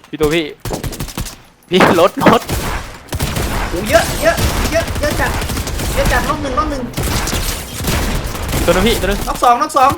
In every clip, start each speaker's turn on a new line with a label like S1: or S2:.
S1: พี่ตัวพี่รถ
S2: โอ้เยอะจัดน็อกหนึ่ง
S1: ตัวนึงพี่ตัวนึง
S2: น็อกสอง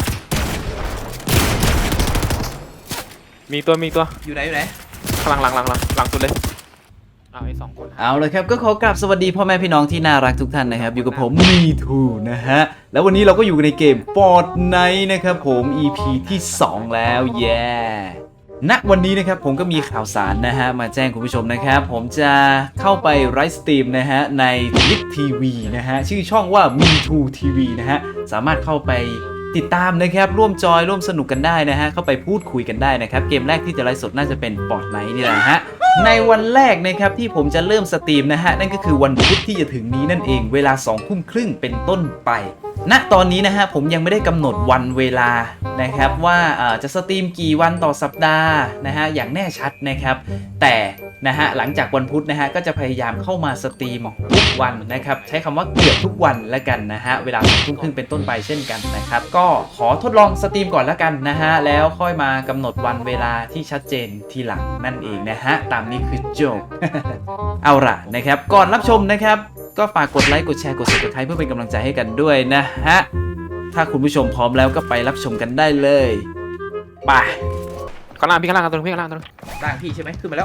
S1: มีตัว
S2: อยู่ไหน
S1: ข้างหลังสุดเลยไอ้2 คน
S2: เอาเลยครับก็ขอกราบสวัสดีพ่อแม่พี่น้องที่น่ารักทุกท่านนะครับอยู่กับผมมีทูนะฮะแล้ววันนี้เราก็อยู่ในเกม Fortnite นะครับผม EP ที่ 2 แล้วแย่ณวันนี้นะครับผมก็มีข่าวสารนะฮะมาแจ้งคุณผู้ชมนะครับผมจะเข้าไปไลฟ์สตรีมนะฮะใน Twitch TV นะฮะชื่อช่องว่า Me2 TV นะฮะสามารถเข้าไปติดตามนะครับร่วมจอยร่วมสนุกกันได้นะฮะเข้าไปพูดคุยกันได้นะครับเกมแรกที่จะไลฟ์สดน่าจะเป็น Fortnite นี่แหละฮะในวันแรกนะครับที่ผมจะเริ่มสตรีมนะฮะนั่นก็คือวันพุธที่จะถึงนี้นั่นเองเวลา 20:30 เป็นต้นไปณตอนนี้นะฮะผมยังไม่ได้กำหนดวันเวลานะครับว่าจะสตรีมกี่วันต่อสัปดาห์นะฮะอย่างแน่ชัดนะครับแต่นะฮะหลังจากวันพุธนะฮะก็จะพยายามเข้ามาสตรีมทุกวันนะครับใช้คำว่าเกือบทุกวันแล้วกันนะฮะเวลา 20:30 เป็นต้นไปเช่นกันนะครับก็ขอทดลองสตรีมก่อนแล้วกันนะฮะแล้วค่อยมากำหนดวันเวลาที่ชัดเจนทีหลังนั่นเองนะฮะตามนี้คือโจบ เอาล่ะนะครับก่อนรับชมนะครับก็ฝากกดไลค์กดแชร์กด Subscribe เพื่อเป็นกำลังใจให้กันด้วยนะฮะถ้าคุณผู้ชมพร้อมแล้วก็ไปรับชมกันได้เลยไป
S1: ข้างล่างตัวนึง
S2: ร่างพี่ใช่ไหมขึ้นมาแล้ว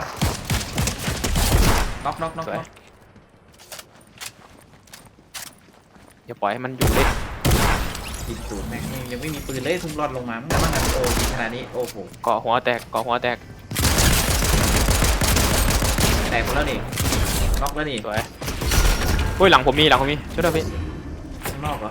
S2: น็อก
S1: อย่าปล่อยให้มันอยู่เล่น
S2: ยิงตูดแม่งยังไม่มีปืนเลยทุ่มรอดลงมามันโอ้ขนาดนี้โอ้โห
S1: เกาะหัวแตก
S2: หมดแล้วนี่น็อกแล้วนี่
S1: สวยเฮ้ยหลังผมมีช่วยด้วยพี่
S2: ข้างนอกเหรอ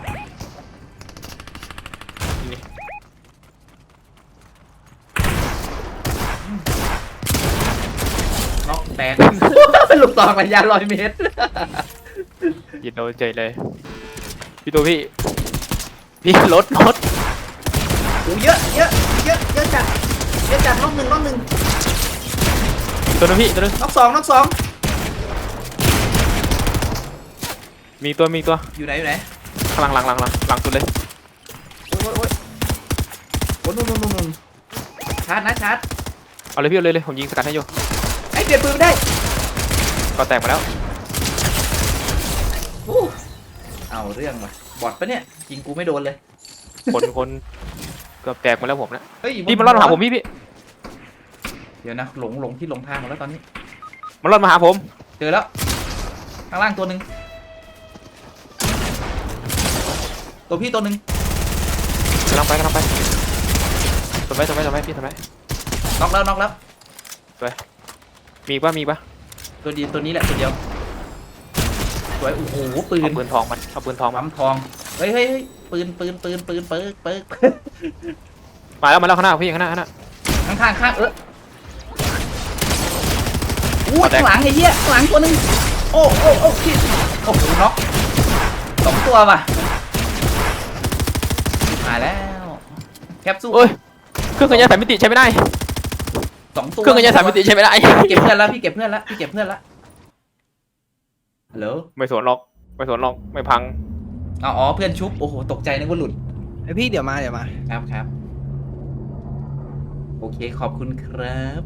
S2: น็อกแตกเป็นลูกตองระยะ100 เมตร
S1: ยิงโดนใจเลยพี่ตัวพี่รถ
S2: โอ้เยอะจัดน็อกหนึ่ง
S1: ตัวนึง
S2: น็อกสอง
S1: มีตัว
S2: อยู่ไหน
S1: ข้างหลังสุดเลย
S2: โอ้นู่นชาร์จ
S1: เอาเลยพี่เอาเลยผมยิงสกัดให้อยู่
S2: ไอ้เปลี่ยนปืนไม่ได้
S1: ก็แตกมาแล้ว
S2: เอาเรื่องว่ะบอทปะเนี่ยยิงกูไม่โดนเลย
S1: คนเกือบแตกมาแล้วผมนะ
S2: พี่
S1: มันรอดมาหาผมพี่
S2: เดี๋ยวนะหลงที่หลงทางหมดแล้วตอนนี้
S1: มันรอดมาหาผม
S2: เจอแล้วข้างล่างตัวหนึ่งตัวพี่ตัวหนึ่ง
S1: กำลังไปทำไมพี่ทำไม
S2: น็อกแล้ว
S1: ไปมีปะ
S2: ตัวนี้แหละตัวเดียวสวยโอ้โหปืน
S1: ทองมันเอาปืนทอง
S2: ปั๊มทองเฮ้ยปืนเปิก
S1: มาแล้วข้างหน้าพี่ข้างหน้า
S2: ข้างอู้ข้างหลังไอ้เหี้ยข้างหลังตัวนึงโอ้พี่โอ้โหน็อก2 ตัวว่ะมาแล้วแคปซูล
S1: เครื่องขยายสายมิติใช้ไม่ได้
S2: 2 ตัว
S1: เครื่องขยายสายมิติใช้ไม่ได้
S2: เก็บเพื่อนแล้วพี่เก็บเพื่อนละฮัลโหล
S1: ไม่สวนหรอกไม่พัง
S2: อ๋อเพื่อนชุบโอ้โหตกใจนึกว่าหลุด
S3: ไอพี่เดี๋ยวมา
S2: ครับโอเคขอบคุณครับ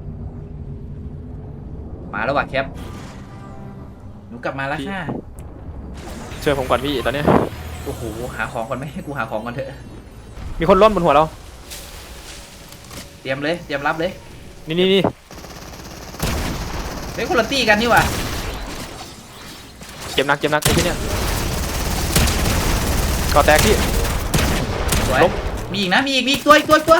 S2: มาแล้วว่ะแคปหนูกลับมาแล้วค่ะ
S1: ช่วยผมก่อนพี่ตอนนี้
S2: โอ้โหหาของก่อนไหมให้กูหาของก่อนเถอะ
S1: มีคนล้มบนหัวเรา
S2: เตรียมรับเลย
S1: นี่
S2: เฮ้ยคนละตี้กันนี่ว่ะ
S1: เจ็บหนักไอ้ที่เนี่ยก่อแตกพี่
S2: สวยมีอีกนะมีอีกตัว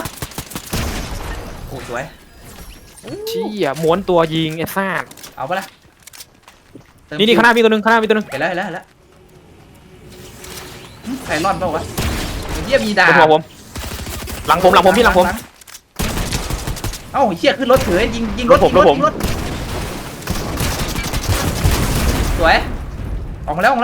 S2: โอ้สวย
S1: ชี้ม้วนตัวยิงไอ้ซ่า
S2: เอาปะล่ะ
S1: นี่ข้างหน้ามีตัวนึง
S2: เห็นแล้วใครรอดเปล่าวะเหี้ยมีดาบ
S1: ผมหลังผมพี่หลังผม
S2: เอ้าเหี้ยขึ้นรถเถื่อยิงรถสวยออกมาแล้ว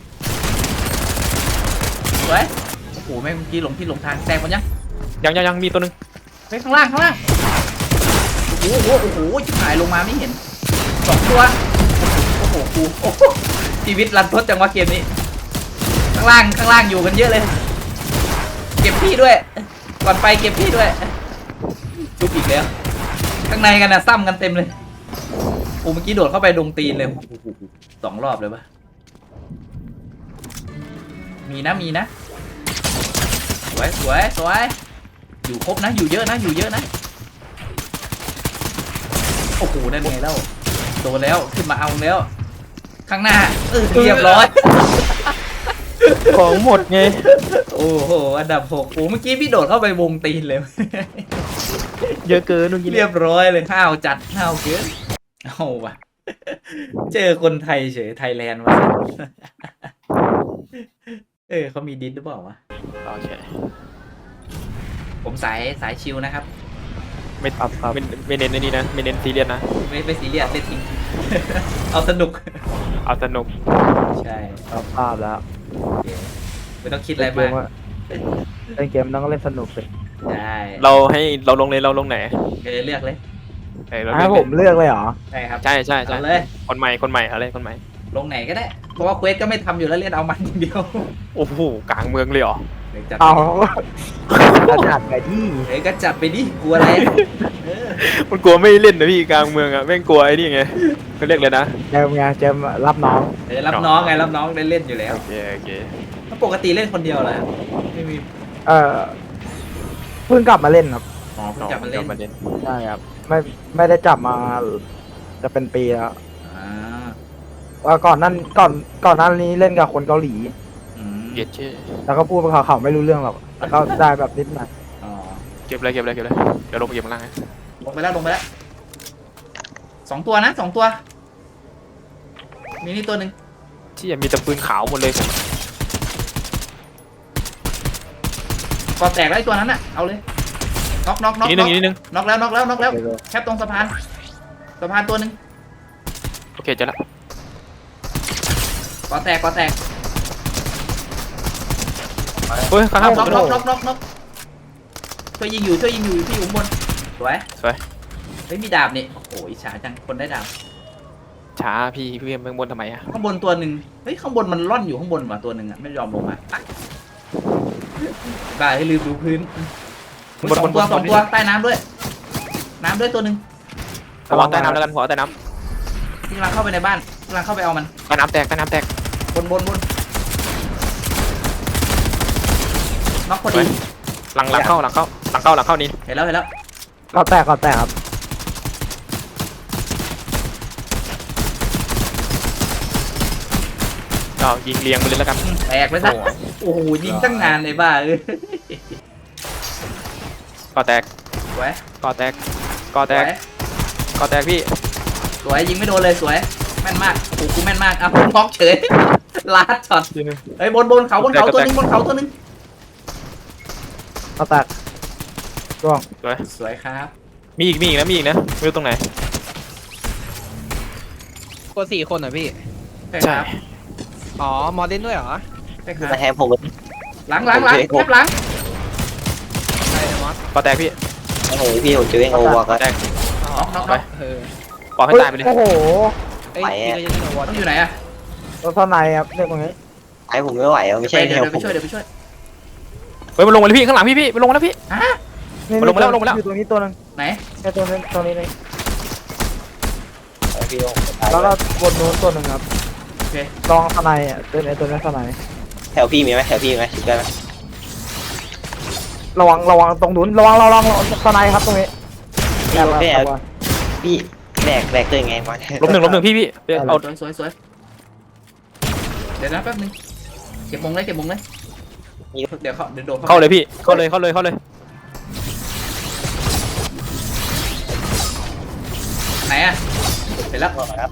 S2: สวยโอ้โหแม่งเมื่อกี้หลงที่หลงทางแซงมัน
S1: ยังมีตัวนึง
S2: ไปข้างล่างโอ้โหชิบหายลงมาไม่เห็น2 ตัวโอ้โหชีวิตรันทดจังวะเกมนี้ข้างล่างอยู่กันเยอะเลยเก็บพี่ด้วยก่อนไปเก็บพี่ด้วยชุบอีกแล้วข้างในกันนะซ้ำกันเต็มเลยโอ้เมื่อกี้โดดเข้าไปดงตีนเลย2 รอบเลยปะมีนะสวยอยู่ครบนะอยู่เยอะนะโอ้โหนั่นไงแล้วโดนแล้วขึ้นมาเอาแล้วข้างหน้าเรียบร้อย
S1: ของหมดไง
S2: โอ้โหอันดับ6โอ้เมื่อกี้พี่โดดเข้าไปวงตีนเลย
S1: เยอะเกินเมื่อกี้
S2: เรียบร้อยเลยห้าวจัดห้าวเกินเอาวะเจอคนไทยเฉยไทยแลนด์วะ เขามีดิสหรือเปล่าวะ
S1: โอเค
S2: ผมสายชิลนะครับ
S1: ไม่ไม่เน้นในนี้นะไม่เน้นซีเรียสนะ
S2: ไม่ซีเรียสเล่นทิ้ง เอาสนุก
S1: เอาสนุก
S2: ใช่
S3: รับภาพแล้ว
S2: โอเคไม่ต้องคิดอะไรมาก
S3: เล่นเกมต้องเล่นสนุกเลย
S2: ใช่
S1: เราให้เราลงเลยเราลงไหน
S2: เลือกเลย
S1: เรา
S3: ให้
S1: เลือก
S3: ผมเลือกเลยเหรอ
S2: ใช่ครับ
S1: ใช่
S2: เอาเลย
S1: คนใหม่อะไรคนใหม่
S2: ลงไหนก็ได้เพราะว่าเควสก็ไม่ทำอยู่แล้วเล่นเอามันอย่างเดียว
S1: โอ้โหกลางเมืองเลยเหรอ
S2: เดี๋ยวจัด
S3: เอากระจัดไปที่
S2: ก็จัดไปดิกลัวอะไร
S1: มันกลัวไม่เล่นนะพี่กลางเมืองอ่ะแม่งกลัวไอ้นี่ไงเขาเรียกเลยนะ
S3: เจมไงเจมรับน้อง
S2: รับน้องไงรับน้องได้เล่นอยู่แล้ว
S1: โอเค
S2: แล้วปกติเล่นคนเดียวเหรอไม่มี
S3: เออเพิ่งกลับมาเล่นครับ
S2: อ๋อเพิ่งจับมาเล่น
S1: มาเล่น
S3: ใช่ครับไม่ได้จับมาจะเป็นปีแล้ว
S2: อ่า
S3: ว่าก่อนนั้นนี้เล่นกับคนเกาหลี
S2: อืม
S1: เก็บชื่อ
S3: แล้วก็พูดภาษาเขาไม่รู้เรื่องหรอกแต่ก็ได้แบบนิดหน่อย
S2: อ๋อ
S1: เก็บเลยเดี๋ยวลงไปเก็บข้างล่างนะ
S2: ลงไปแล้ว2 ตัวนะ2 ตัวมีนี่ตัวหนึ่ง
S1: ที่มีแต่ปืนขาวหมดเลย
S2: ก่อแตกแล้วไอ้ตัวนั้นน่ะเอาเลยน็อก
S1: นิดนึง
S2: น็อกแล้วแคปตรงสะพานตัวหนึ่ง
S1: โอเคเจะละ
S2: ก่อแตก
S1: เฮ้ยข้างๆผม
S2: น็อกช่วยยิงอยู่ที่อยู่บนสวย
S1: สวย
S2: เฮ้ยมีดาบนี่โอ้โหอิจฉาจังคนได้ดาบ
S1: ช้าพี่เมืองบนทำไมอ่ะ
S2: ข้างบนตัวหนึ่งเฮ้ยข้างบนมันล่อนอยู่ข้างบนว่ะตัวหนึ่งอ่ะไม่ยอมลงมาอ่ะบ้าให้ลืมดูพื้นสองตัวใต้น้ำด้วยตัวหนึ่ง
S1: ระวังใต้น้ำแล้วกันหัวใต้น้
S2: ที่กำลังเข้าไปในบ้านกำลังเข้าไปเอามัน
S1: ำใต้น้ำแตก
S2: บนน็อกพอดี
S1: หลังเข้านี่
S2: เห็นแล้ว
S3: ก็แตกครับ
S1: ก็ยิงเรียงไปเลยแล้วกัน
S2: แตกไปซะโอ้โหยิงตั้งนานเลยบ้า
S1: ก็แตก
S2: สวย
S1: พี่
S2: สวยยิงไม่โดนเลยสวยแม่นมากโอ้โหกูแม่นมากอ่ะน็อกเฉยลาดช็อตเฮ้ยบนเขาตัวหนึง
S3: ก็แตกร่วง
S2: สวยครับ
S1: มีอีกนะไม่รู้ตรงไหน
S4: ตัว4 คนเหรอพี่
S2: ใช่ครับ
S4: อ๋อ มอเล่นด้วยเหรอ
S2: ใช่ครับ
S5: มาแทนผม
S2: หลังแคบหลัง
S4: ใช่เลยมอส
S1: ก็แตกพี่
S5: โอ้โหพี่ผมเจอเองโอวอร์ก็
S1: แตก
S2: น็อก
S4: เออ
S1: ปล่อยให้ตายไปเลย
S3: โอ้โห
S4: เอ้ยพี่ก็ยังไม่รู้ว่า
S2: ต้องอยู่ไหนอะ
S3: ตัวเท่าไหนครับเรื่องตรงนี้
S5: ไอผมไม่ไหวไม่ใช่แน
S2: เดี๋ยว ว
S5: ผ
S2: ไป
S5: ม
S2: ช่วย
S1: เฮ้ยมันลงมาเลยพี่ข้างหลังพี่มันลงมาแล้วพี่
S2: ฮะ
S3: นี่
S1: ลงมาแล้ว
S3: อยู่ตรงนี้ตัวนึง
S2: ไหน
S3: แค่ตัวนี้เลย
S5: พี่
S3: แล้วก็บนนู้นตัวหนึ่งครับ
S2: โอเค
S3: ลองทนายอ่ะตัวนี้ทนาย
S5: แถวพี่มีไหมแถวพี่ไหมได้ไหม
S3: ระวังตรงนู้นระวังทนายครับตรงนี้
S5: พี่พี่แบกตัวยังไงมา
S1: ล้มหนึ่งพี่เอา
S2: สวยเดี๋ยวนะแป๊บนึงเก็บมงเลยเดี๋ยวโดด
S1: เข้าเลยพี่เข้าเลย
S2: ไหนอะเห็นแล้ว
S5: ครับ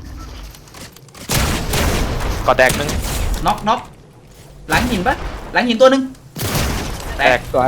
S1: ก็แตกนึง
S2: น็อกหลังหินปะหลังหินตัวหนึ่งแตก
S3: สวย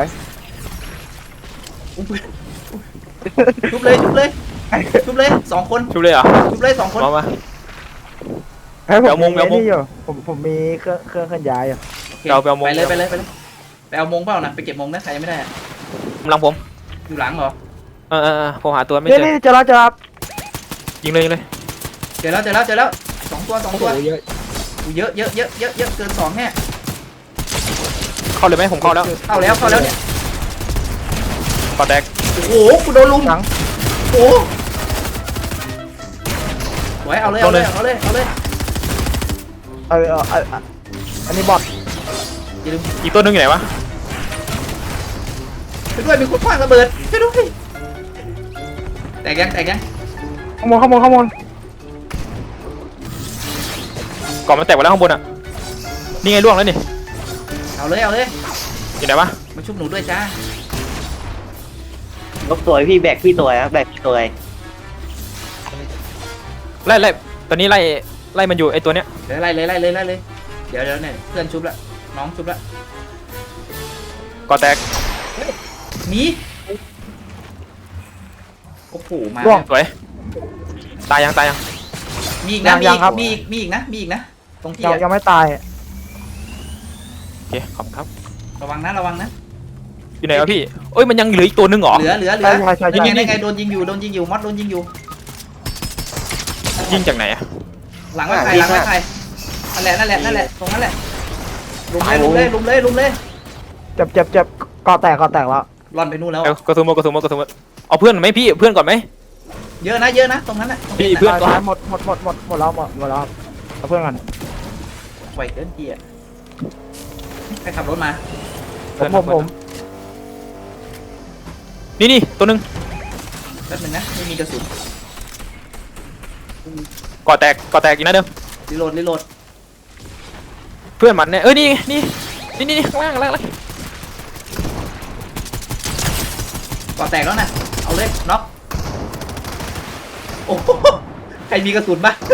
S2: ชุบเลย2 คน
S1: ชุบเลยเหรอ
S2: ชุบเลย2 คน
S1: มา
S3: ให้ผม
S1: เอามง
S3: มีนี่อยู่ผมมีเครื่องเคลื่อนย้ายอยู่
S2: ไปเลยไปเอามงเปล่านะไปเก็บมงนะใครยังไม่ได้
S1: กำลังผม
S2: อยู่หลังเหรอ
S1: ผมหาตัวไม่
S3: นี่
S1: เจอ
S3: นี่จะรับ
S1: ยิงเลย
S2: เจอแล้ว2 ตัว
S3: โอ้โหเยอะ
S2: เยอะเกิน2แน่
S1: เข้าเลยไหมผมเข้าแล้ว
S2: เข้าแล้วเนี่ย
S1: ก็แตก
S2: โอ้โหกูโดนลุม
S3: หลัง
S2: โอ้วยเอาเลยเอาเลยเอาเลยเอาเลย
S3: อันนี้บอท
S2: อย่าลืม
S1: อีกตัวหนึงอยู่ไหนวะ
S2: ช่วยด้วยมีคนคว้างระเบิดช่วยด้วยแตกยัง
S3: ข้างบน
S1: ก่อนมันแตกไปแล้วข้างบนอ่ะนี่ไงล่วงแล้วนี่
S2: เอาเลย
S1: อยู่ไหนวะ
S2: มาชุบหนูด้วยจ้า
S5: ลบตัวพี่แบกพี่ตัวครับแบกพี่ตัว
S1: ไล่ตอนนี้ไล่มันอยู่ไอตัวเนี้ย
S2: เดี๋ยวไล่เลยเดี๋ยวเนี่ยเพื่อนชุบละน้องชุบละ
S1: ก่อแตก
S2: หนีโอ้โหมา
S1: สวยตายยัง
S2: มีอีกนะมีอีกนะตรงที่
S3: ยังไม่ตาย
S1: โอเคขอบคุณครับ
S2: ระวังนะ
S1: อยู่ไหนวะพี่เอ้ยมันยังเหลืออีกตัวหนึงเหรอ
S2: เหลือ
S3: ใช่
S2: ยังไงโดนยิงอยู่มอสโดนยิงอยู่
S1: ยิงจากไหนอะ
S2: หลังไว้ใครนั่นแหละตรงนั้นแหละลุมเลย
S3: เจ็บก่อแตกแล้ว
S2: ร่อนไปนู่นแล้ว
S1: เอากระสุนหมดเอาเพื่อนไหมพี่เพื่อนก่อนไหม
S2: เยอะนะตรงนั้นแหละ
S1: พี่เพื่อนก่อน
S3: หมดแล้วเอาเพื่อนกัน
S2: ไหวเกินทีอ่ะใครขับรถมา
S3: ผม
S1: นี่ตัวหนึง
S2: แป๊บนึงนะไม่มีกระสุน
S1: ก่อแตกอีกนะเดิม
S2: รีโหลด
S1: เพื่อนมันเนี่ยเอ้ยนี่ข้างล่าง
S2: ก่อแตกแล้วนะเอาเลยน็อกโอ้โหใครมีกระสุนบ้าง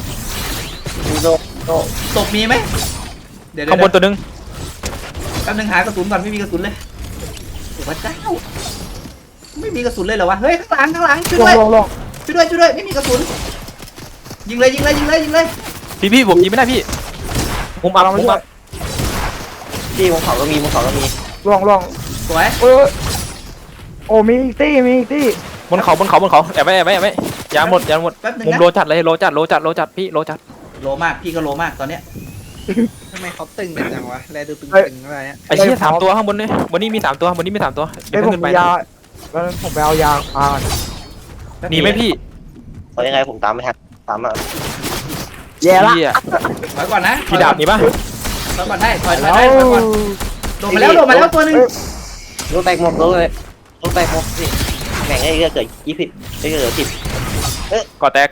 S2: ศพมีไหมเดี๋ยว
S1: ข้างบนตัวหนึง
S2: แป๊บนึงหากระสุนก่อนไม่มีกระสุนเลยโอ้พระเจ้าไม่มีกระสุนเลยเหรอวะเฮ้ยข้างหลังช่วยด้วย
S3: ลง
S2: ช่วยด้วยไม่มีกระสุนยิงเลย
S1: พี่ผมยิงไม่ได้พี่มุมอัพ
S5: พี่บนเขาก็มี
S3: ลง
S2: สวย
S3: โอ้มีอีกตี้
S1: บนเขาแอบไว้ยาหมด
S2: แป๊บนึง
S1: มุม
S2: นะ
S1: โลจัดเลยโลจัดพี่โลจัด
S2: โลมากพี่ก็โลมากตอนเนี้ย
S4: ทำไมเขาตึงกันจังวะแลดูตึงๆอะไรเนี่ย
S1: ไอ้เชี่ย3 ตัวข้างบนเนี่ยบนนี้มี3 ตัวเดี๋ยว
S3: ผม
S1: ขึ้นไป
S3: มียาแล้วผมไปเอายาพา
S1: หนีไหมพี่
S5: เพราะยังไงผมตามไม่ทันตามมา
S3: แย่ละ
S1: เหี้ย
S2: ถอยก่อนนะ
S1: พี่ดาบหนีปะ
S2: ถอยก่อนได้ถอยก่อนโดดมาแล้วตัวนึง
S5: รถแตกหมดเลยพี่แบ่งให้เกิด20ให้เกิด10
S1: ก่อแตก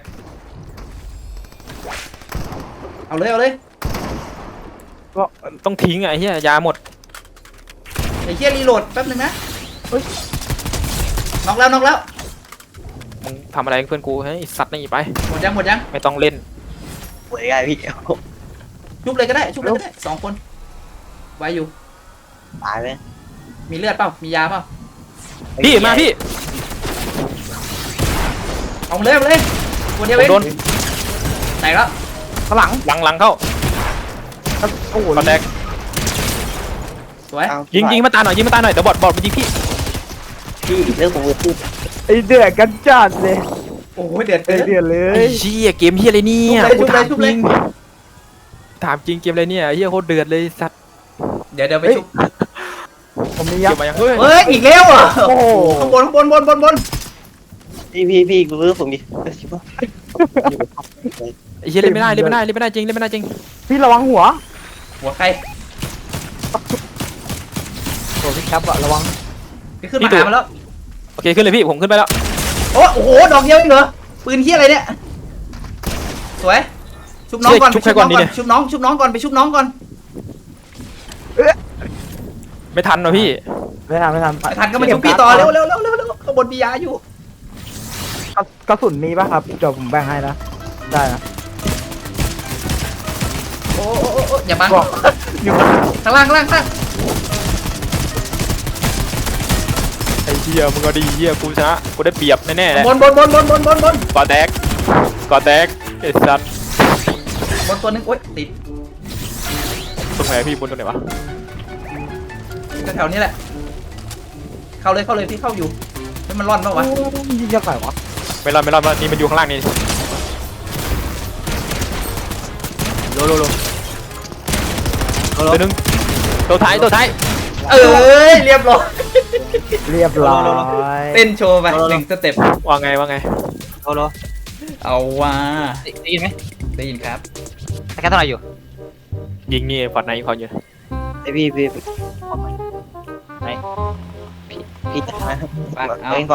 S2: เอาเลย
S3: ก็
S1: ต้องทิ้งไอ้เหี้ยยาหมด
S2: ไอ้เหี้ยรีโหลดแป๊บนึงนะน็อกแล้ว
S1: มึงทำอะไรกับเพื่อนกูให้ไอ้สัตว์นี่ไป
S2: หมดยัง
S1: ไม่ต้องเล่น
S5: โอ้ยไงพี่
S2: ชุบเลยก็ได้2 คนไว้อยู่
S5: ตายไหม
S2: มีเลือดเปล่ามียาเปล่า
S1: พี่มาพี่
S2: เอาเลยตัวเดียวเอง
S1: โดน
S2: แตกแล้ว
S3: ข้างหลัง
S1: หลังเข้า
S3: โอ้โห
S1: ก่อแตก
S2: สวย
S1: ยิงมาตาหน่อยเดี๋ยวบอดมันยิงพี่
S5: พี่เรื่องของพี่
S3: ไอเดือดกันจัดเลย
S2: โอ้ยเดือด
S3: ไอเดือดเล
S1: ไอ้
S3: ย
S1: เชี่ยเกมเฮียอะไรเนี่ย
S2: ชุบเลย
S1: กูถามจริงเกมอะไรเนี่ยเฮียโคตรเดือดเลยสัตว์
S2: เดี๋ยวไปชุบ
S3: ผมมี
S1: เก
S3: ยาม
S1: มายังเฮ้ย
S2: เฮ้ยอีกแล้วอ่ะ
S3: โอ้โห
S2: ข้างบน
S5: พี่กูรู้ผมดิชิบะ
S1: ไอ้เฮียเล่นไม่ได้จริง
S3: พี่ระวังหัว
S2: หัวใคร
S3: โอ้พี่แคปอะระวัง
S2: ไปขึ้นมาหามันแล้ว
S1: โอเคขึ้นเลยพี่ผมขึ้นไปแล้ว
S2: โอ้โหดอกเดียวเองเหรอปืนเฮียอะไรเนี่ยสวยชุบน้องก่อนไปชุบน้องก่อนไปชุบน้องก่อน
S1: ไม่ทันหรอพี่
S3: ไม่ทัน
S2: ไม่ทันก็มาชุบพี่ต่อเร็วข้างบนมียาอยู่
S3: กระสุนมีป่ะครับเดี๋ยวผมแบ่งให้นะได้นะ
S2: โอ้อย่าบัง
S3: บอกอยู่
S2: ข้างล่าง
S1: ไอ้เฮียมึงก็ดีเฮียกูชนะกูได้เปรียบแน่ๆเลย
S2: บน
S1: ก่อแตกไอ้สัตว์
S2: บนตัวนึงโอ๊ยติด
S1: ตรงไหนพี่บนตรงไหนวะ
S2: แถวนี้แหละเข้าเลยพี่เข้าอยู่ให้มันร่อนป่าวะ
S3: ยิงยังไงวะ
S1: ไม่รอดนี่มันอยู่ข้างล่างนี่โลตัวนึงตัวท้าย
S2: เอ้ยเรียบร้อย
S3: เรียบร้อย
S2: เต้นโชว์ไป1 สเต็ป
S1: ว่าไง
S5: โล
S2: เอาว่า
S6: ได้ยินไหม
S2: ได้ยินครับ
S6: สแกนเท่าไหร่อยู่
S1: ยิงนี่ฟอร์ดไนท์เขาอยู่
S5: ไอพี่จะมา
S2: ไปเอา
S5: เล่น